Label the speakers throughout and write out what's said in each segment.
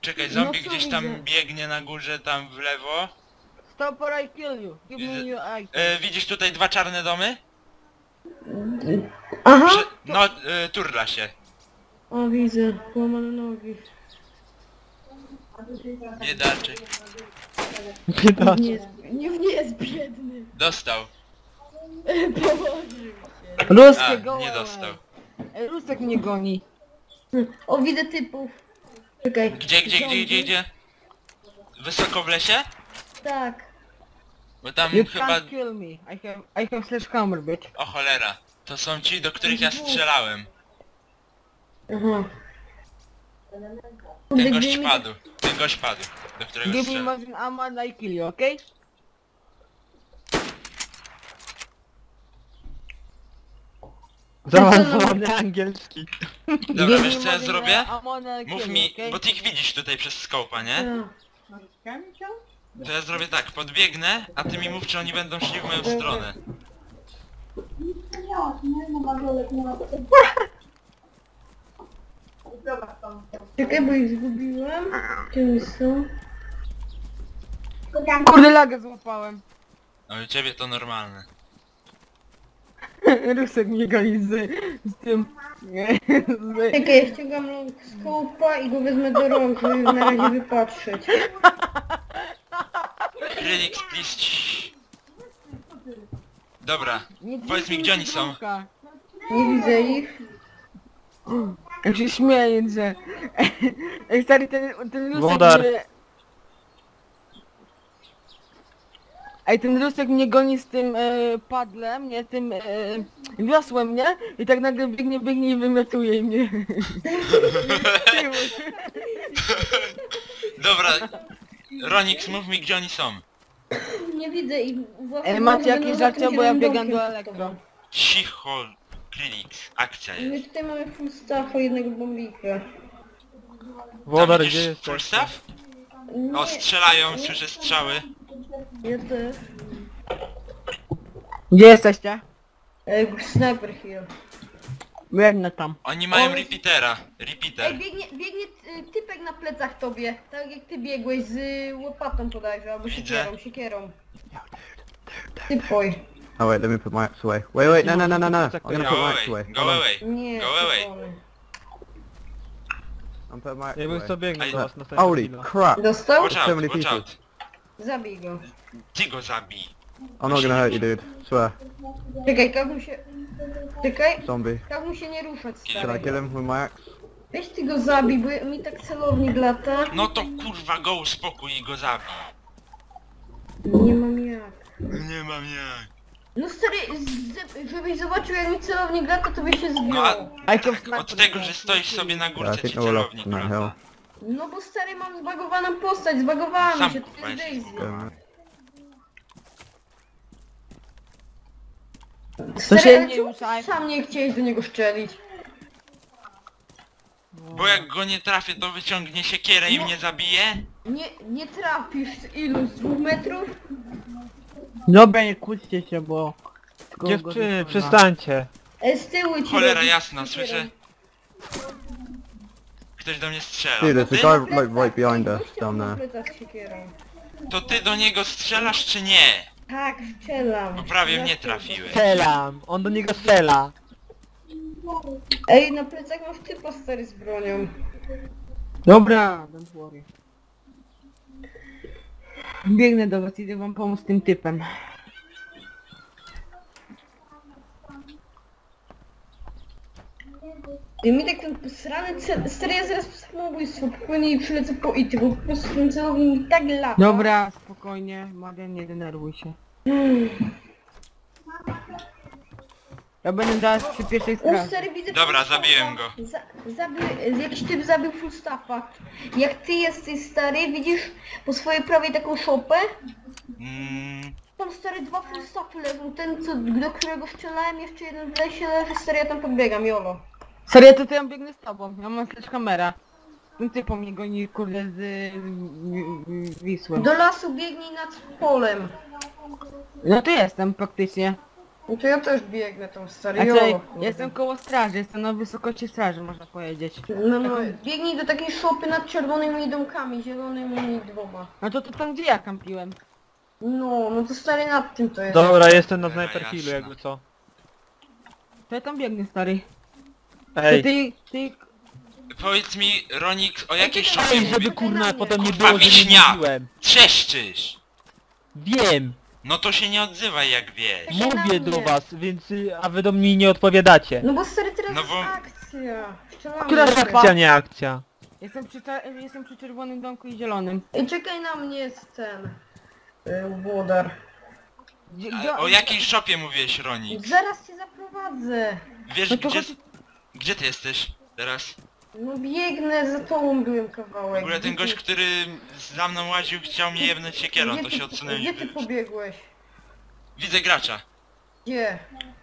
Speaker 1: Czekaj, zombie
Speaker 2: co
Speaker 1: gdzieś tam
Speaker 2: widzę?
Speaker 1: biegnie na górze, tam w lewo.
Speaker 2: Stop or I kill you. Give me your eye.
Speaker 1: Widzisz tutaj dwa czarne domy?
Speaker 2: Aha!
Speaker 1: No, turla się.
Speaker 2: O, widzę. Łamane nogi.
Speaker 1: Biedaczek.
Speaker 2: Nie jest, nie jest biedny.
Speaker 1: Dostał.
Speaker 2: Położył się.
Speaker 1: A,
Speaker 2: Ruskie, go
Speaker 1: nie
Speaker 2: away.
Speaker 1: dostał.
Speaker 2: Rusek mnie goni. O, widzę typów. Czekaj.
Speaker 1: Gdzie? Wysoko w lesie?
Speaker 2: Tak.
Speaker 1: Bo tam
Speaker 2: You
Speaker 1: chyba...
Speaker 2: can't kill me. I have sledgehammer, bitch.
Speaker 1: O cholera. To są ci, do których ja strzelałem.
Speaker 2: Aha.
Speaker 1: Ten gość padł, do którego
Speaker 2: Give me
Speaker 1: strzelałem.
Speaker 2: magazine ammo and I kill you, okay?
Speaker 3: Zaawansowany angielski.
Speaker 1: Dobra,
Speaker 2: Give
Speaker 1: wiesz
Speaker 2: me
Speaker 1: co ja
Speaker 2: magazine
Speaker 1: zrobię?
Speaker 2: ammo and I
Speaker 1: Mów
Speaker 2: kill
Speaker 1: mi,
Speaker 2: you, okay?
Speaker 1: bo ty ich widzisz tutaj przez skopa, nie? To ja zrobię tak, podbiegnę, a ty mi mów, czy oni będą szli w moją stronę.
Speaker 2: Czekaj, bo ich zgubiłem. Gdzie oni są? Kurde, lagę złapałem.
Speaker 1: No u ciebie to normalne.
Speaker 2: Rusek mnie goni z tym...
Speaker 4: Czekaj, ja ściągam skopa i go wezmę do rąk, żeby na razie wypatrzeć.
Speaker 1: Krylix, please. Dobra,
Speaker 2: Nie
Speaker 1: powiedz mi, gdzie oni są.
Speaker 2: drąka.
Speaker 4: Nie widzę ich.
Speaker 2: Ja się śmieję, że... Ej, stary, ten Rusek
Speaker 3: Wodar.
Speaker 2: mnie... Ej, ten Rusek mnie goni z tym padlem, nie? Tym wiosłem, nie? I tak nagle biegnie i wymiotuje mnie.
Speaker 1: Dobra, Ronix, mów mi, gdzie oni są.
Speaker 4: Nie widzę ich.
Speaker 2: Ej, macie jakieś żarcie, bo ja biegam do elektro.
Speaker 1: Cicho, Krylix, akcja
Speaker 4: My
Speaker 1: jest.
Speaker 4: tutaj mamy full staffa, jednego bombika.
Speaker 3: Wodar,
Speaker 1: Tam
Speaker 3: gdzie
Speaker 1: widzisz
Speaker 3: jest?
Speaker 1: full staff? O, strzelają, słyszę strzały.
Speaker 4: Ja też.
Speaker 2: Gdzie jesteście?
Speaker 4: Sniper here.
Speaker 2: Biegnę tam.
Speaker 1: Oni mają
Speaker 4: O,
Speaker 1: repeatera,
Speaker 4: Ej,
Speaker 1: repeater.
Speaker 4: biegnie typek na plecach tobie. Tak jak ty biegłeś z łopatą bodajże, albo
Speaker 1: Widzę.
Speaker 4: siekierą. Typoj.
Speaker 5: Oh wait, let me put my axe away. Wait, no. I'm gonna put
Speaker 1: Go
Speaker 5: my axe away.
Speaker 1: away, go away.
Speaker 4: Nie,
Speaker 1: Go away.
Speaker 4: typony.
Speaker 5: I'm putting my axe
Speaker 3: Ja bym
Speaker 5: away.
Speaker 3: co biegnę do
Speaker 1: Ej,
Speaker 3: was następną
Speaker 5: Holy
Speaker 3: chwilę.
Speaker 5: crap!
Speaker 4: Dostał?
Speaker 1: Watch
Speaker 5: So
Speaker 1: out,
Speaker 5: many
Speaker 1: watch
Speaker 5: people.
Speaker 1: out.
Speaker 4: Zabij go.
Speaker 1: Ty go zabij.
Speaker 5: I'm not gonna hurt you, dude. Swear.
Speaker 4: Czekaj, każ mu się... Czekaj,
Speaker 5: Zombie.
Speaker 4: każ mu się nie ruszać,
Speaker 5: Should I
Speaker 4: stary.
Speaker 5: kill him with my axe?
Speaker 4: Weź ty go zabij, bo mi tak celownik lata.
Speaker 1: No to kurwa go uspokój i go zabij.
Speaker 4: Nie mam jak.
Speaker 1: Nie mam jak.
Speaker 4: No stary, żebyś zobaczył jak mi celownik lata, to by się
Speaker 1: No a
Speaker 4: zgiął.
Speaker 2: I
Speaker 1: od tego, że stoisz sobie na
Speaker 5: Yeah, I
Speaker 1: górce
Speaker 5: think
Speaker 1: ci
Speaker 5: they're all up
Speaker 1: celownik
Speaker 5: on that hill.
Speaker 1: lata.
Speaker 4: No bo stary, mam zbagowaną postać, zbagowała mi
Speaker 1: Sam
Speaker 4: się, to jest
Speaker 1: weź.
Speaker 4: Daisy.
Speaker 2: To się
Speaker 4: Stary, ale
Speaker 2: nie
Speaker 4: czemu
Speaker 2: ruszaj.
Speaker 4: sam nie chciałeś do niego szczelić?
Speaker 1: Bo jak go nie trafię, to wyciągnie siekierę i mnie zabije?
Speaker 4: Nie trafisz z ilu? Z 2 metrów?
Speaker 2: Dobra, nie kłóćcie się, bo... tylko go
Speaker 3: Dziewczyny,
Speaker 2: wypływa.
Speaker 3: przestańcie.
Speaker 4: Z tyłu ci
Speaker 1: Cholera
Speaker 4: robi
Speaker 1: jasna,
Speaker 4: siekierą.
Speaker 1: słyszę. Ktoś do mnie strzela.
Speaker 5: Dude,
Speaker 1: To
Speaker 5: there's
Speaker 1: ty?
Speaker 5: a guy like right behind us
Speaker 4: Gościa
Speaker 5: down
Speaker 4: na
Speaker 5: there.
Speaker 4: plecach z siekierą.
Speaker 1: To ty do niego strzelasz czy nie?
Speaker 4: Tak, strzelam.
Speaker 1: Bo prawie mnie
Speaker 4: Dlaczego?
Speaker 1: trafiłeś.
Speaker 3: Strzelam, on do niego strzela.
Speaker 4: Ej, na plecach masz typa stary z bronią.
Speaker 2: Dobra, don't worry. Biegnę do was, idę wam pomóc z tym typem.
Speaker 4: I mi tak ten srany stary, ja zaraz samobójstwo popłynie i przylecę po ity, bo po prostu ten celownik mi tak lata.
Speaker 2: Dobra, spokojnie, Marian, nie denerwuj się. Ja będę teraz przy pierwszej
Speaker 4: O
Speaker 2: sprawie.
Speaker 4: stary, widzę
Speaker 1: Dobra,
Speaker 4: full
Speaker 1: zabiłem
Speaker 4: staffa.
Speaker 1: go.
Speaker 4: Jakiś typ zabił full staffa. Jak ty jesteś stary, widzisz po swojej prawej taką szopę?
Speaker 1: Mm,
Speaker 4: Tam stary 2 full staffy leżą, ten co, do którego strzelałem, jeszcze jeden w lesie leży, stary, ja tam podbiegam, jolo.
Speaker 2: Serio, to ja biegnę z tobą, ja mam też kamera. Ten typ po mnie goni, kurde, z Wisły.
Speaker 4: Do lasu biegnij nad polem.
Speaker 2: No tu jestem praktycznie.
Speaker 4: No to ja też biegnę tam, stary.
Speaker 2: Znaczy,
Speaker 4: Jo.
Speaker 2: jestem koło straży, jestem na wysokości straży, można powiedzieć.
Speaker 4: No, biegnij do takiej szopy nad czerwonymi domkami, zielonymi dwoma.
Speaker 2: No to tam gdzie ja kampiłem?
Speaker 4: No to stary nad tym to jest.
Speaker 3: Dobra, jestem na
Speaker 1: Cholera
Speaker 3: sniper killu,
Speaker 1: jasna.
Speaker 3: jakby co.
Speaker 2: To ja tam biegnę, stary. To
Speaker 3: Ej,
Speaker 2: ty...
Speaker 1: Powiedz mi, Ronik, o jakiej szopie
Speaker 3: ej,
Speaker 1: mówisz?
Speaker 3: żeby kurna potem nie
Speaker 1: Kurwa,
Speaker 3: było, że nie
Speaker 1: wiśnia!
Speaker 3: mówiłem.
Speaker 1: Trzeszczysz!
Speaker 3: Wiem,
Speaker 1: No to się nie odzywaj jak wiesz.
Speaker 4: Czekaj na
Speaker 3: mówię
Speaker 4: mnie.
Speaker 3: do was, więc a wy do mnie nie odpowiadacie.
Speaker 4: No bo stary teraz
Speaker 1: No
Speaker 4: jest
Speaker 1: bo-
Speaker 4: akcja. Strzelamy.
Speaker 2: Która
Speaker 4: Stary.
Speaker 2: szopa?
Speaker 3: Akcja, nie akcja.
Speaker 2: Jestem przy czerwonym domku i zielonym.
Speaker 4: Ej, czekaj na mnie jest ten... Włodar.
Speaker 1: A o jakiej szopie mówiłeś, Ronik?
Speaker 4: Zaraz cię zaprowadzę.
Speaker 1: Wiesz
Speaker 2: No to
Speaker 1: gdzie...
Speaker 2: chodź...
Speaker 1: Gdzie ty jesteś teraz?
Speaker 4: No biegnę, za tobą byłem
Speaker 1: W
Speaker 4: kawałek.
Speaker 1: ogóle ten
Speaker 4: Gdzie
Speaker 1: gość,
Speaker 4: ty-
Speaker 1: który za mną łaził, chciał mnie jebnąć siekierą,
Speaker 4: gdzie
Speaker 1: to
Speaker 4: ty-
Speaker 1: się odsunąłem i
Speaker 4: Gdzie ty
Speaker 1: wyszedł.
Speaker 4: pobiegłeś?
Speaker 1: Widzę gracza.
Speaker 4: Gdzie?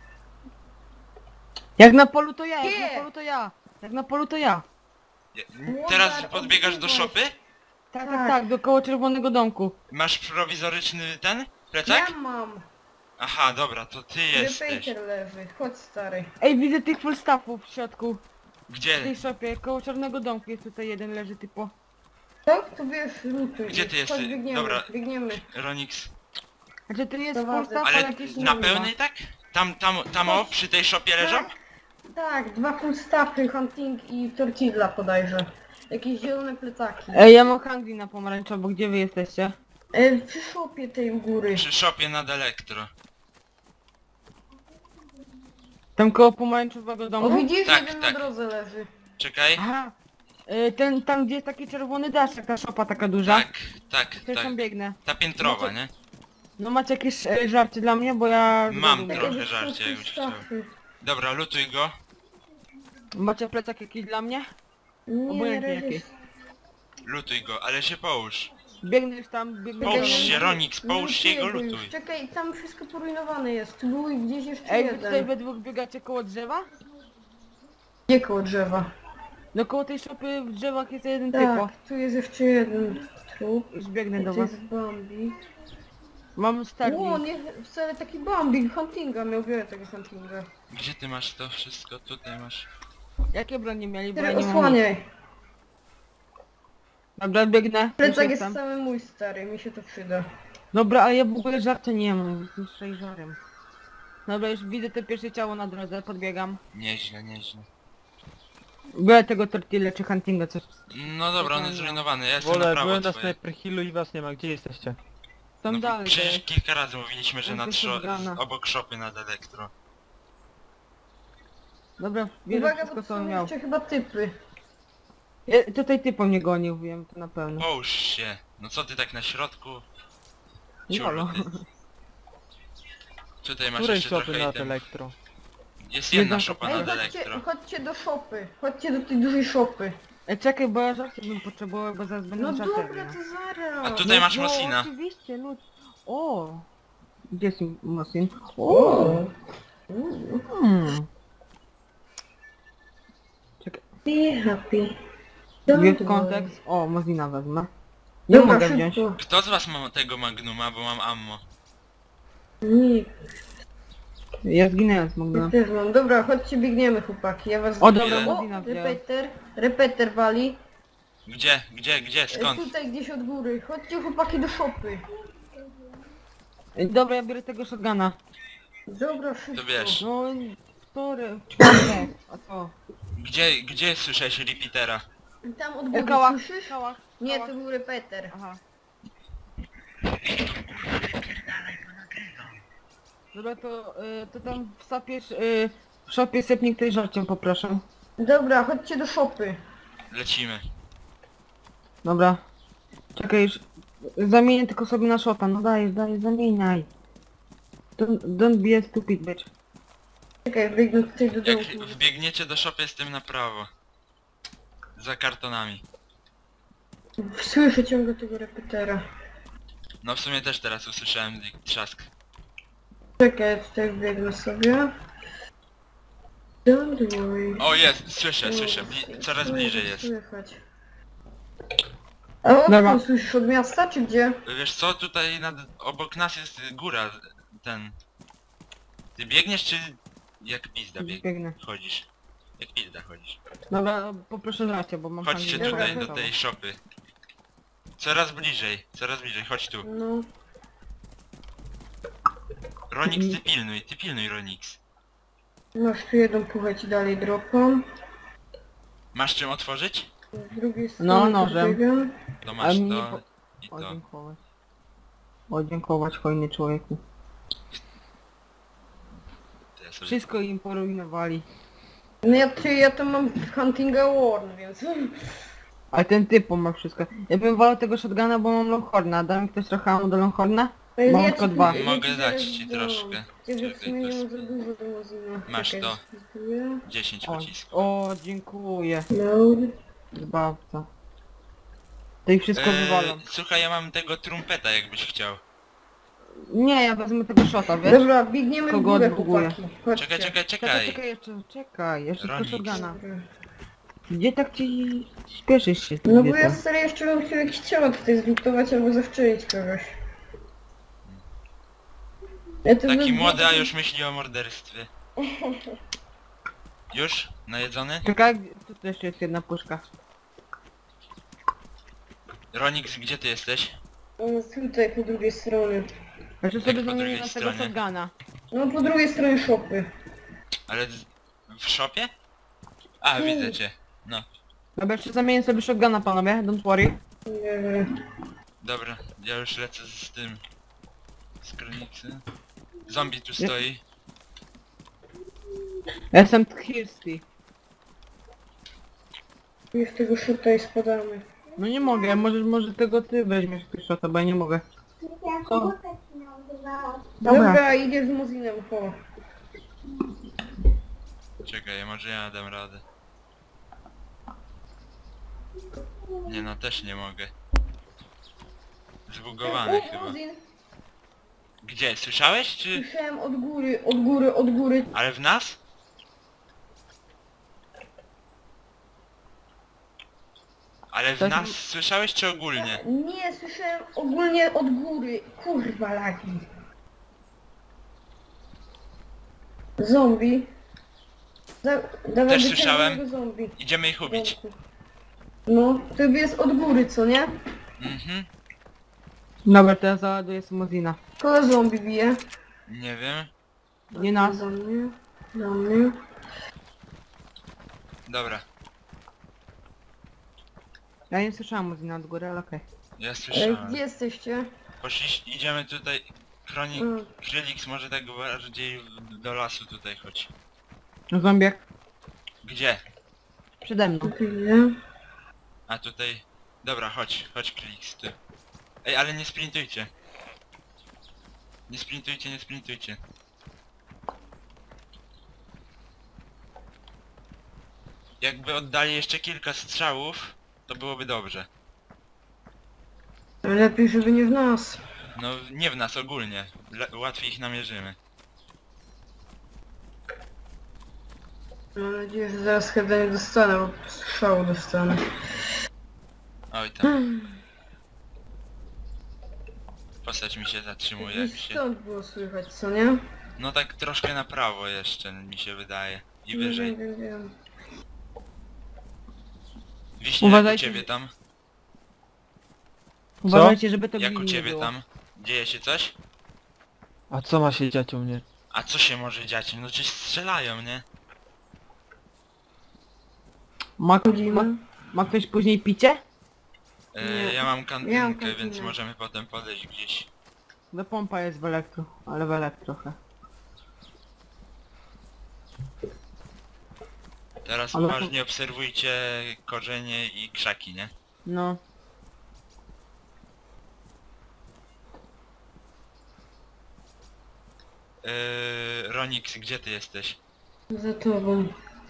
Speaker 2: Jak na polu to ja, jak
Speaker 4: Nie.
Speaker 2: na polu to ja. Jak na polu to ja.
Speaker 1: Teraz podbiegasz do szopy?
Speaker 2: Tak, do koło czerwonego domku.
Speaker 1: Masz prowizoryczny ten? Plecak?
Speaker 4: Ja mam.
Speaker 1: Aha, dobra, to ty jesteś.
Speaker 4: Repeater leży. Chodź stary.
Speaker 2: Ej, widzę tych full staffów w środku. W
Speaker 1: Gdzie?
Speaker 2: tej szopie, koło czarnego domku jest tutaj jeden leży typo.
Speaker 4: Tak? To wiesz, lutuj.
Speaker 1: Gdzie ty jesteś?
Speaker 4: Chodź, biegniemy,
Speaker 1: Dobra.
Speaker 4: biegniemy.
Speaker 1: Ronix.
Speaker 2: Znaczy to nie jest full
Speaker 4: Prowadzę.
Speaker 2: staff, ale
Speaker 1: Ale
Speaker 2: jakieś
Speaker 1: na
Speaker 2: nie
Speaker 1: pełnej tak? Tam o, przy tej szopie leżą?
Speaker 4: Tak, dwa full staffy, hunting i tortilla podajże. Jakieś zielone plecaki.
Speaker 2: Ej, ja mam hungry na pomarańczowo, gdzie wy jesteście?
Speaker 4: Przy szopie tej u góry.
Speaker 1: Przy szopie nad elektro.
Speaker 2: Tam koło pomarańczowego
Speaker 4: O
Speaker 2: domu?
Speaker 4: widzisz,
Speaker 1: Tak,
Speaker 4: jeden
Speaker 1: tak.
Speaker 4: na drodze leży.
Speaker 1: Czekaj.
Speaker 2: Aha. Tam gdzie jest taki czerwony daszek, ta szopa taka duża.
Speaker 1: Tak,
Speaker 2: To już
Speaker 1: tak.
Speaker 2: tam biegnę.
Speaker 1: Ta piętrowa, nie?
Speaker 2: No macie jakieś żarcie dla mnie, bo ja...
Speaker 1: Mam
Speaker 2: lubię.
Speaker 1: trochę
Speaker 4: Jakieś
Speaker 1: żarcie,
Speaker 4: full
Speaker 1: jakbyś chciał.
Speaker 4: staffy.
Speaker 1: Dobra, lutuj go.
Speaker 2: Macie plecak jakiś dla mnie?
Speaker 4: Nie,
Speaker 2: Obojętnie
Speaker 4: razie-
Speaker 2: jakiś.
Speaker 1: Lutuj go, ale się połóż.
Speaker 2: Biegnę już tam, biegnę...
Speaker 1: Połóż
Speaker 2: biegnę.
Speaker 1: się, Ronix, połóż się i go
Speaker 4: Lutuj,
Speaker 1: lutuj.
Speaker 4: Czekaj, tam wszystko poruinowane jest. Tu był i gdzieś jeszcze
Speaker 2: Ej, wy tutaj
Speaker 4: jeden.
Speaker 2: we dwóch biegacie koło drzewa?
Speaker 4: Gdzie koło drzewa?
Speaker 2: No koło tej szopy w drzewach jest jeden
Speaker 4: Tak,
Speaker 2: typo.
Speaker 4: tu jest jeszcze jeden trup.
Speaker 2: Już biegnę do
Speaker 4: To
Speaker 2: was.
Speaker 4: jest Bambi.
Speaker 2: Mam
Speaker 4: O,
Speaker 2: starnik.
Speaker 4: nie, wcale taki Bambi, huntinga, miał wiele tego huntinga.
Speaker 1: Gdzie ty masz to wszystko? Tutaj masz.
Speaker 2: Jakie bronie mieli, bo ja
Speaker 4: Teraz
Speaker 2: nie mam.
Speaker 4: osłaniaj.
Speaker 2: Dobra, biegnę. Już
Speaker 4: Plecak jest
Speaker 2: jestem.
Speaker 4: cały mój stary, mi się to przyda.
Speaker 2: Dobra, ale ja w ogóle żarcia nie mam, jestem żarem. Dobra, już widzę te pierwsze ciało na drodze, podbiegam.
Speaker 1: Nieźle, nieźle.
Speaker 2: Biorę tego tortilla czy huntinga, coś.
Speaker 1: No dobra, on jest zrujnowany, ja jestem na
Speaker 3: Wolę,
Speaker 1: prawo
Speaker 3: byłem na
Speaker 1: twoje.
Speaker 3: sniper killu i was nie ma, gdzie jesteście?
Speaker 2: Tam
Speaker 1: No,
Speaker 2: dalej.
Speaker 1: przecież
Speaker 2: dalej.
Speaker 1: kilka razy mówiliśmy, że
Speaker 2: Tam
Speaker 1: nad
Speaker 2: też jest brana.
Speaker 1: obok szopy nad elektro.
Speaker 2: Dobra, bierę
Speaker 4: Uwaga,
Speaker 2: wszystko
Speaker 4: bo to
Speaker 2: co on
Speaker 4: są
Speaker 2: miał.
Speaker 4: jeszcze chyba typy.
Speaker 2: Tutaj typo mnie gonił, wiem to na pewno.
Speaker 1: Połóż się. No co ty tak na środku?
Speaker 2: Jolo.
Speaker 1: Ciul. Tutaj masz
Speaker 3: Której
Speaker 1: jeszcze
Speaker 3: szopy
Speaker 1: trochę
Speaker 3: nad
Speaker 1: item.
Speaker 3: elektro?
Speaker 1: Jest jedna
Speaker 2: Jedna
Speaker 1: szopa
Speaker 2: szopa.
Speaker 4: Ej,
Speaker 1: nad
Speaker 4: chodźcie,
Speaker 1: elektro.
Speaker 4: chodźcie do szopy. Chodźcie do tej dużej szopy.
Speaker 2: Czekaj, bo ja żarcie bym potrzebował, bo zaraz będę
Speaker 4: No
Speaker 2: żarcie
Speaker 4: dobra,
Speaker 2: miał.
Speaker 4: to zaraz.
Speaker 1: A tutaj masz
Speaker 2: No,
Speaker 1: Mosina.
Speaker 2: oczywiście, no. O! Gdzie jest Mosin? O! Hmm. Czekaj,
Speaker 4: Be happy.
Speaker 2: jest kontekst. O, Mosina wezmę. Nie
Speaker 4: Dobra,
Speaker 2: mogę wziąć.
Speaker 4: szybko.
Speaker 1: Kto z was ma tego Magnuma, bo mam ammo?
Speaker 4: Nie,
Speaker 2: Ja zginęłem z
Speaker 4: ja
Speaker 2: Magdalena.
Speaker 4: też mam. Dobra, chodźcie, biegniemy chłopaki, ja was...
Speaker 2: O, dobra,
Speaker 1: Ile?
Speaker 2: Mosina wziąłem.
Speaker 4: Repeter wali.
Speaker 1: Gdzie? Skąd?
Speaker 4: Tutaj gdzieś od góry. Chodźcie chłopaki do szopy.
Speaker 2: Dobra, ja biorę tego shotguna.
Speaker 4: Dobra, szybko.
Speaker 1: To wiesz.
Speaker 2: No, sorry, czwartek. A co?
Speaker 1: Gdzie słyszałeś repeatera?
Speaker 4: Tam od góry,
Speaker 2: Kałach,
Speaker 4: słyszysz?
Speaker 2: kałach.
Speaker 4: Nie,
Speaker 2: kałach.
Speaker 4: to był repeter.
Speaker 2: Aha. Dobra, to tam wsapiesz, w szopie sepnik tej żarciem poproszę.
Speaker 4: Dobra, chodźcie do szopy.
Speaker 1: Lecimy.
Speaker 2: Dobra. Czekaj, już zamienię tylko sobie na shota, no dajesz, zamieniaj. Don't be a stupid bitch.
Speaker 4: Czekaj, biegnę tutaj do
Speaker 1: Jak
Speaker 4: dołu.
Speaker 1: wbiegniecie do szopy, jestem na prawo. Za kartonami.
Speaker 4: Słyszę ciągle tego repetera.
Speaker 1: No w sumie też teraz usłyszałem trzask.
Speaker 4: Czekaj, ja tutaj biegnę sobie. Don't worry.
Speaker 1: O jest, słyszę, coraz
Speaker 4: No,
Speaker 1: bliżej jest.
Speaker 4: Słychać. A
Speaker 2: Dobra.
Speaker 4: odkąd słyszysz, od miasta czy gdzie?
Speaker 1: Wiesz co, tutaj obok nas jest góra, ten... Ty biegniesz czy jak pizda
Speaker 2: Biegnę.
Speaker 1: chodzisz? Jak pizda chodzisz.
Speaker 2: Dobra, poproszę racie, bo mam
Speaker 1: Chodźcie
Speaker 2: handel
Speaker 1: tutaj do
Speaker 2: internetowy.
Speaker 1: tej shopy. Coraz bliżej, chodź tu.
Speaker 4: No.
Speaker 1: Ronix, ty pilnuj Ronix.
Speaker 4: Masz tu jedną puchę ci dalej dropam.
Speaker 1: Masz czym otworzyć?
Speaker 4: Z drugiej strony
Speaker 2: No, nożem.
Speaker 4: podbiegam.
Speaker 1: To masz
Speaker 2: mnie
Speaker 1: to i
Speaker 2: O,
Speaker 1: to.
Speaker 2: dziękować. O, dziękować, hojny człowieku.
Speaker 1: To ja sobie...
Speaker 2: Wszystko im poruinowali.
Speaker 4: No ja to mam Huntinga Warn, więc...
Speaker 2: Ale ten typ ma wszystko. Ja bym wolał tego shotguna, bo mam Longhorna. Da mi ktoś trochę ammo do Longhorna? Mam tylko dwa.
Speaker 1: Mogę dać ci troszkę.
Speaker 4: Ja w sumie nie mam
Speaker 1: Czekaj,
Speaker 4: za dużo do magazynów.
Speaker 1: Masz
Speaker 4: Czekaj,
Speaker 1: to.
Speaker 4: spróbuję.
Speaker 1: 10
Speaker 2: O,
Speaker 1: pocisków.
Speaker 2: o, dziękuję.
Speaker 4: Load.
Speaker 2: Zbawca. To ich wszystko wywalam.
Speaker 1: Słuchaj, ja mam tego trumpeta jakbyś chciał.
Speaker 2: Nie, ja wezmę tego shota, wiesz?
Speaker 4: Dobra, biegniemy w
Speaker 2: Kogo
Speaker 4: górę,
Speaker 2: odbuguje?
Speaker 4: chłopaki. Chodźcie.
Speaker 1: Czekaj.
Speaker 2: Czekaj, jeszcze tylko
Speaker 1: Ronix.
Speaker 2: shotguna. Gdzie tak ci śpieszysz się?
Speaker 4: No bo
Speaker 2: Gdzie
Speaker 4: ja
Speaker 2: to?
Speaker 4: stary jeszcze bym chciał jakieś ciało tutaj zlutować albo zawczynić kogoś. Ja to
Speaker 1: Taki
Speaker 4: bym-
Speaker 1: młody, a już myśli o morderstwie. Już? Najedzony?
Speaker 2: Czekaj, tu jeszcze jest jedna puszka.
Speaker 1: Ronix, gdzie ty jesteś?
Speaker 4: On jest tutaj po drugiej stronie.
Speaker 2: Jeszcze sobie
Speaker 1: po
Speaker 2: zamienię
Speaker 1: drugiej
Speaker 2: na tego
Speaker 1: stronie?
Speaker 2: shotguna.
Speaker 4: No po drugiej stronie shopy.
Speaker 1: Ale w shopie? A, widzę cię. No,
Speaker 2: Dobra, jeszcze zamienię sobie shotguna, panowie, don't worry.
Speaker 4: Nie wiem.
Speaker 1: dobra, ja już lecę z tym. Z kronicy. Zombie tu stoi.
Speaker 2: Ja jestem thirsty.
Speaker 4: Już tego shota i spadamy.
Speaker 2: No nie mogę, może tego ty weźmiesz tego shota, bo ja nie mogę. Co?
Speaker 4: Dobra, idziesz z Mozinem, ho.
Speaker 1: Czekaj, może ja dam radę. Nie no, też nie mogę. Zbugowany chyba.
Speaker 4: Mozin.
Speaker 1: Gdzie? Słyszałeś czy...
Speaker 4: Słyszałem od góry.
Speaker 1: Ale w nas? Ale w
Speaker 2: To-
Speaker 1: nas słyszałeś czy ogólnie?
Speaker 4: Nie, słyszałem ogólnie od góry. Kurwa lagi. Zombie. Dawaj
Speaker 1: Też
Speaker 4: do
Speaker 1: słyszałem.
Speaker 4: czerwonego zombie.
Speaker 1: Idziemy ich ubić.
Speaker 4: No, to jest od góry, co nie?
Speaker 1: Mhm.
Speaker 2: Dobra, to ja załaduję Mozina.
Speaker 4: Kogo zombie bije?
Speaker 1: Nie wiem.
Speaker 2: Nie nas.
Speaker 4: Do mnie. Do mnie.
Speaker 1: Dobra,
Speaker 2: Ja nie słyszałam Mozina od góry, ale okej.
Speaker 1: ja
Speaker 4: Ej,
Speaker 1: słyszałem.
Speaker 4: gdzie jesteście?
Speaker 1: Idziemy tutaj.
Speaker 4: Mm.
Speaker 1: Krylix może tak bardziej do lasu tutaj chodź.
Speaker 2: No zombiak
Speaker 1: Gdzie?
Speaker 2: przede mną.
Speaker 4: Chwilę.
Speaker 1: A tutaj... Dobra, chodź Krylix, ty. Ej, ale nie sprintujcie. Nie sprintujcie. Jakby oddali jeszcze kilka strzałów, to byłoby dobrze.
Speaker 4: Lepiej, żeby nie w nas.
Speaker 1: No nie w nas ogólnie. Łatwiej ich namierzymy.
Speaker 4: Mam nadzieję, że zaraz chyba nie dostanę, bo strzału dostanę.
Speaker 1: Oj tam. Postać mi się zatrzymuje jak
Speaker 4: Gdzieś
Speaker 1: się...
Speaker 4: stąd było słychać, co nie?
Speaker 1: No tak troszkę na prawo jeszcze mi się wydaje. I wyżej.
Speaker 4: Wiem.
Speaker 1: Wiśnie, jak u
Speaker 2: Uważajcie,
Speaker 1: ciebie tam?
Speaker 2: Uważajcie, żeby to
Speaker 1: Jak u
Speaker 2: gliny nie
Speaker 1: ciebie
Speaker 2: było.
Speaker 1: tam? Dzieje się coś?
Speaker 3: A co ma się dziać u mnie?
Speaker 1: A co się może dziać? No coś strzelają, nie?
Speaker 2: Ma ktoś później picie?
Speaker 4: Nie.
Speaker 1: Ja mam kantynkę,
Speaker 4: kantynę.
Speaker 1: więc możemy potem podejść gdzieś.
Speaker 2: No pompa jest w elektro, ale w elektro trochę.
Speaker 1: Teraz
Speaker 2: Ale-
Speaker 1: uważnie obserwujcie korzenie i krzaki, nie?
Speaker 2: No.
Speaker 1: Ronix, gdzie ty jesteś?
Speaker 4: Za tobą.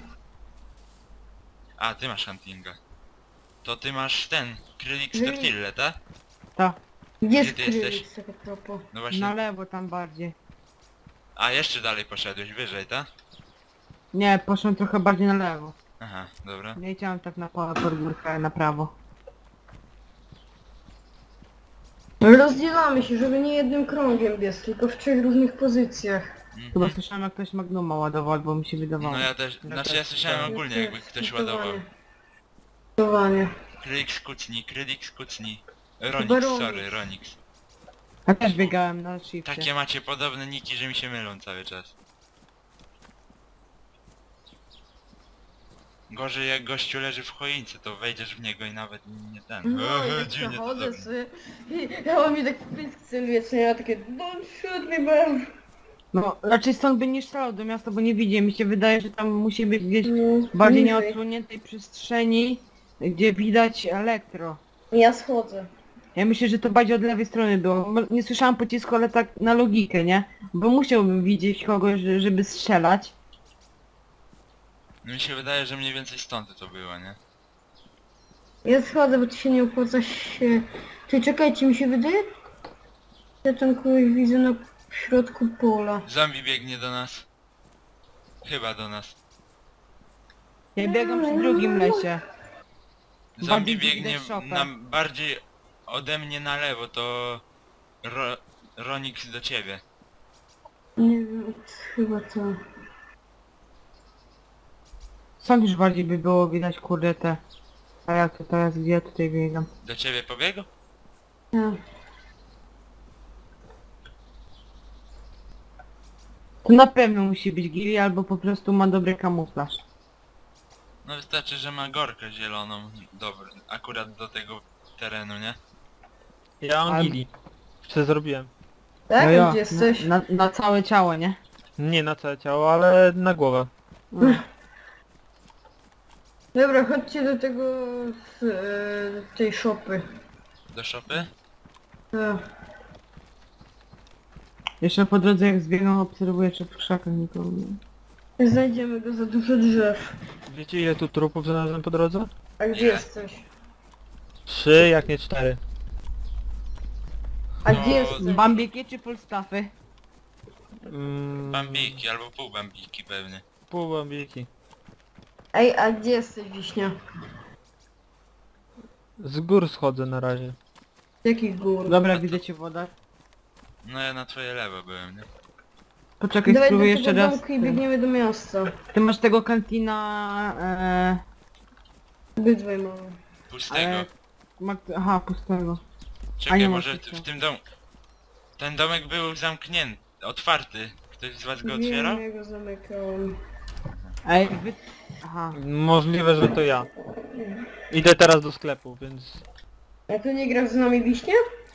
Speaker 1: A, ty masz huntinga. To ty masz ten, Krylix
Speaker 4: Nie.
Speaker 1: Tortille, tak?
Speaker 2: Ta.
Speaker 4: Gdzie
Speaker 1: Gdzie ty jesteś?
Speaker 4: skryć tak a propos?
Speaker 1: No właśnie.
Speaker 2: Na lewo tam bardziej.
Speaker 1: A, jeszcze dalej poszedłeś, wyżej, tak?
Speaker 2: Nie, poszłem trochę bardziej na lewo.
Speaker 1: Aha, dobra.
Speaker 2: Nie chciałem tak na podwórkę, na prawo.
Speaker 4: Rozdzielamy się, żeby nie jednym krągiem biec, tylko w 3 różnych pozycjach.
Speaker 2: Chyba słyszałem jak ktoś Magnuma ładował, albo mi się wydawało.
Speaker 1: No ja też, znaczy ja słyszałem ogólnie jakby ktoś ładował.
Speaker 4: Ładowanie.
Speaker 1: Krylik skucni.
Speaker 4: Chyba
Speaker 1: Ronix,
Speaker 4: Ronix.
Speaker 1: sorry, Ronix.
Speaker 2: Ja też biegałem na shifcie.
Speaker 1: Takie macie podobne niki, że mi się mylą cały czas. Gorzej jak gościu leży w choince, to wejdziesz w niego i nawet nie ten.
Speaker 4: No i tak
Speaker 1: Dziwnie to
Speaker 4: przechodzę
Speaker 1: zrobił.
Speaker 4: sobie. Ja mam mi tak w pysk celuje, co ja takie don't shoot me bro.
Speaker 2: No, raczej stąd by nie strzelał do miasta, bo nie widzi. Mi się wydaje, że tam musi być gdzieś
Speaker 4: No,
Speaker 2: bardziej
Speaker 4: niżej.
Speaker 2: nieodsłoniętej przestrzeni, gdzie widać elektro.
Speaker 4: Ja schodzę.
Speaker 2: Ja myślę, że to bardziej od lewej strony było. Nie słyszałam pocisku, ale tak na logikę, nie? Bo musiałbym widzieć kogoś, żeby strzelać.
Speaker 1: Mi się wydaje, że mniej więcej stąd to było, nie?
Speaker 4: Ja schodzę, bo to się nie opłaca się... Ty czekajcie, mi się wydaje... Ja tam kogoś widzę na środku pola.
Speaker 1: Zombie biegnie do nas. Chyba do nas.
Speaker 2: Ja biegam przy drugim lesie.
Speaker 1: Zombie
Speaker 2: Bardziej
Speaker 1: biegnie
Speaker 2: widać szopę.
Speaker 1: bardziej ode mnie na lewo, to Ronix do ciebie.
Speaker 4: Nie wiem, chyba to...
Speaker 2: Stąd już bardziej by było widać, kurde, te... A jak to teraz, gdzie ja tutaj biegam?
Speaker 1: Do ciebie pobiegł?
Speaker 4: Ja.
Speaker 2: To na pewno musi być Giri, albo po prostu ma dobry kamuflaż.
Speaker 1: No wystarczy, że ma gorkę zieloną. Dobry, akurat do tego terenu, nie?
Speaker 3: Ja mam
Speaker 2: Ale-
Speaker 3: gili. Co zrobiłem?
Speaker 4: Tak?
Speaker 2: No ja,
Speaker 4: Gdzie jesteś?
Speaker 2: na całe ciało, nie?
Speaker 3: Nie na całe ciało, ale na głowę.
Speaker 4: Dobra, chodźcie do tego... tej szopy.
Speaker 1: Do szopy?
Speaker 4: Tak.
Speaker 2: Jeszcze po drodze jak zbiegam, obserwuję, czy w krzakach nikogo nie.
Speaker 4: Znajdziemy go za dużo drzew.
Speaker 3: Wiecie ile tu trupów znalazłem po drodze?
Speaker 4: A gdzie
Speaker 1: Ile?
Speaker 4: jesteś?
Speaker 3: 3, jak nie 4.
Speaker 4: A
Speaker 1: No,
Speaker 4: gdzie jesteś?
Speaker 2: Bambiki czy Polstaffy?
Speaker 1: Bambiki albo pół bambiki pewnie.
Speaker 3: Pół bambiki.
Speaker 4: Ej, a gdzie jesteś, Wiśnia?
Speaker 3: Z gór schodzę na razie.
Speaker 4: Z jakich gór?
Speaker 2: Dobra, widzę cię woda.
Speaker 1: No ja na twoje lewo byłem, nie?
Speaker 2: Poczekaj,
Speaker 4: Dawaj do
Speaker 2: spróbuję
Speaker 4: tego
Speaker 2: jeszcze raz.
Speaker 4: domku i biegniemy do miasta.
Speaker 2: Ty masz tego kantina...
Speaker 4: Obydwaj mamy.
Speaker 1: Pustego.
Speaker 2: Aha, pustego. a
Speaker 1: Czekaj,
Speaker 2: nie ma
Speaker 1: może
Speaker 2: pustego.
Speaker 1: w tym domu... Ten domek był zamknięty, otwarty. Ktoś z was go otwierał?
Speaker 4: Wiem, ja go zamykałem.
Speaker 2: Ej, Aha.
Speaker 3: Możliwe, że to ja. Idę teraz do sklepu, więc...
Speaker 4: A tu nie grasz z nami, Wiśnia?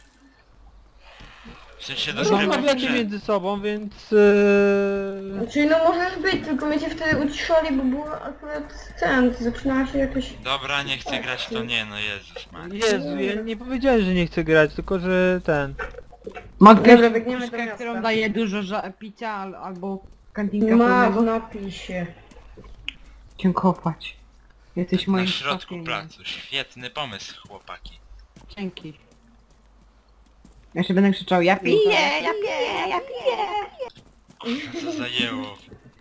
Speaker 1: W sensie do
Speaker 3: Rozmawiacie
Speaker 1: sklepu.
Speaker 3: między sobą, więc...
Speaker 4: Znaczy, no możesz być, tylko mnie cię wtedy uciszali, bo było akurat ten, zaczynała się jakaś...
Speaker 1: Dobra, nie chcę grać, to nie, no Jezus Maria.
Speaker 3: Jezu, ja nie powiedziałem, że nie chcę grać, tylko że ten...
Speaker 2: Ma
Speaker 4: Dobra,
Speaker 2: ktoś
Speaker 4: biegniemy do
Speaker 2: puszkę,
Speaker 4: miasta.
Speaker 2: którą daje dużo picia, albo kantinka
Speaker 4: Ma w
Speaker 2: pełnego?
Speaker 4: napisie.
Speaker 2: Cię kopać. Jesteś moim
Speaker 1: Na środku
Speaker 2: szakiem.
Speaker 1: placu. Świetny pomysł, chłopaki.
Speaker 2: Dzięki. Ja jeszcze będę krzyczał, ja piję, ja piję, ja piję.
Speaker 1: Kurwa, co zajęło.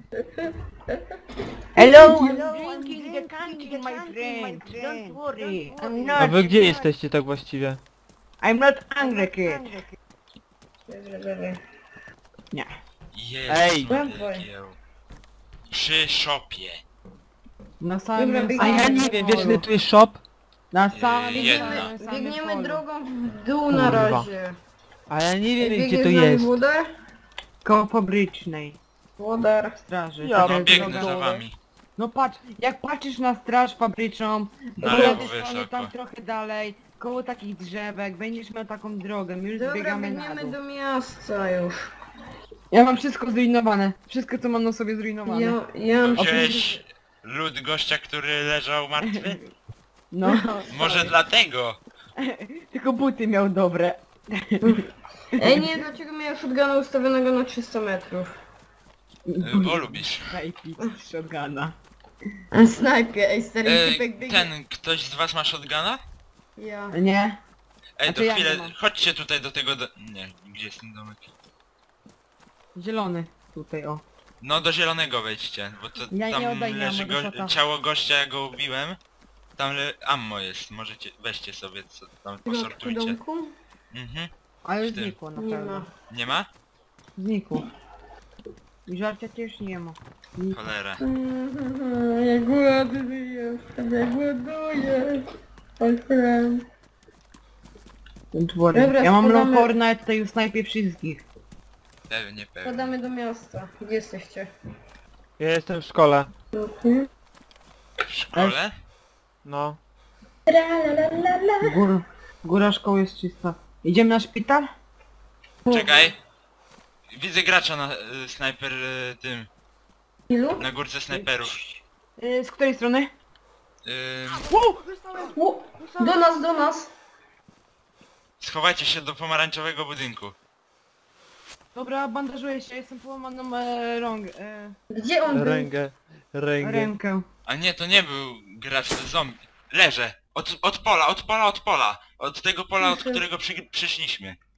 Speaker 2: Hello, I'm drinking the candy, my friend. Don't worry, I'm
Speaker 3: A
Speaker 2: not,
Speaker 3: wy gdzie jesteście tak właściwie?
Speaker 2: I'm not hungry kid.
Speaker 4: Dobra.
Speaker 2: Nie.
Speaker 1: Jezus
Speaker 3: Ej.
Speaker 1: Maria. Przy szopie.
Speaker 2: Na samym,
Speaker 4: Dobra,
Speaker 3: A
Speaker 4: biegniemy.
Speaker 3: ja nie wiem, wiesz ile tu jest shop?
Speaker 2: Na samym,
Speaker 1: Jedna.
Speaker 2: samym
Speaker 4: Biegniemy
Speaker 2: polu.
Speaker 4: drogą w dół na
Speaker 3: Kurwa.
Speaker 4: razie.
Speaker 3: A ja nie wiem
Speaker 4: Biegnie
Speaker 3: gdzie to
Speaker 4: z nami
Speaker 3: jest.
Speaker 4: Włodar?
Speaker 2: Koło fabrycznej
Speaker 4: Włodar.
Speaker 2: straży.
Speaker 3: Ja
Speaker 2: Tak
Speaker 1: No
Speaker 2: jak
Speaker 1: biegnę
Speaker 2: droga-
Speaker 1: za wami.
Speaker 2: No patrz, jak patrzysz na straż fabryczną,
Speaker 1: Na
Speaker 2: po
Speaker 1: lewo
Speaker 2: lewej stronie
Speaker 1: wysoko.
Speaker 2: tam trochę dalej, koło takich drzewek, będziesz miał taką drogę, my już
Speaker 4: Dobra,
Speaker 2: zbiegamy na
Speaker 4: biegniemy
Speaker 2: dół.
Speaker 4: do miasta już.
Speaker 2: Ja mam wszystko zrujnowane, wszystko co mam na sobie zrujnowane.
Speaker 4: Ja mam...
Speaker 1: Wziąłeś lód gościa, który leżał martwy?
Speaker 2: No,
Speaker 1: Może dlatego?
Speaker 2: tylko buty miał dobre.
Speaker 4: Ej, nie, dlaczego miałem shotguna ustawionego na 300 metrów?
Speaker 1: Bo lubisz.
Speaker 2: Najpij shotguna.
Speaker 4: A snajpie, ej, stary typek biegnie.
Speaker 1: Ten, ktoś z was ma shotguna?
Speaker 4: Ja.
Speaker 2: Nie?
Speaker 1: Ej,
Speaker 2: A
Speaker 1: to
Speaker 2: to ja
Speaker 1: chwilę,
Speaker 2: nie mam.
Speaker 1: chodźcie tutaj do tego Nie, gdzie jest ten domek?
Speaker 2: Zielony. Tutaj, o.
Speaker 1: No do zielonego wejdźcie, bo to
Speaker 2: Ja nie
Speaker 1: tam
Speaker 2: oddaję,
Speaker 1: leży
Speaker 2: ja mogę shota.
Speaker 1: ciało gościa, ja go ubiłem. Tam ammo jest, możecie, weźcie sobie, co tam
Speaker 4: W środku
Speaker 1: posortujcie.
Speaker 4: domku?
Speaker 1: Mhm.
Speaker 2: Ale
Speaker 1: Z tym.
Speaker 2: znikło na
Speaker 4: Nie
Speaker 2: pewno.
Speaker 4: ma.
Speaker 1: Nie ma?
Speaker 2: Znikło. I żarcia też nie ma.
Speaker 1: Cholera.
Speaker 4: Ja głodny jestem, ja głoduję. Otwieram. Dobra,
Speaker 2: Ja mam
Speaker 4: spadamy.
Speaker 2: Longhorna, ja tutaj snajpię wszystkich.
Speaker 1: Pewnie.
Speaker 4: Wpadamy do miasta. Gdzie jesteście?
Speaker 3: Ja jestem w szkole.
Speaker 4: Mhm.
Speaker 1: W szkole?
Speaker 3: No.
Speaker 2: Góra szkoły jest czysta. Idziemy na szpital?
Speaker 1: Czekaj. Widzę gracza na snajper tym.
Speaker 4: Ilu?
Speaker 1: Na górce snajperów.
Speaker 2: Z której strony?
Speaker 4: O, do nas.
Speaker 1: Schowajcie się do pomarańczowego budynku.
Speaker 2: Dobra, bandażuję się, jestem połamaną
Speaker 4: Gdzie on był?
Speaker 3: Rękę.
Speaker 2: rękę.
Speaker 1: A nie, to nie był gracz, to zombie. Leżę. Od pola. Od tego pola, od którego przyszliśmy.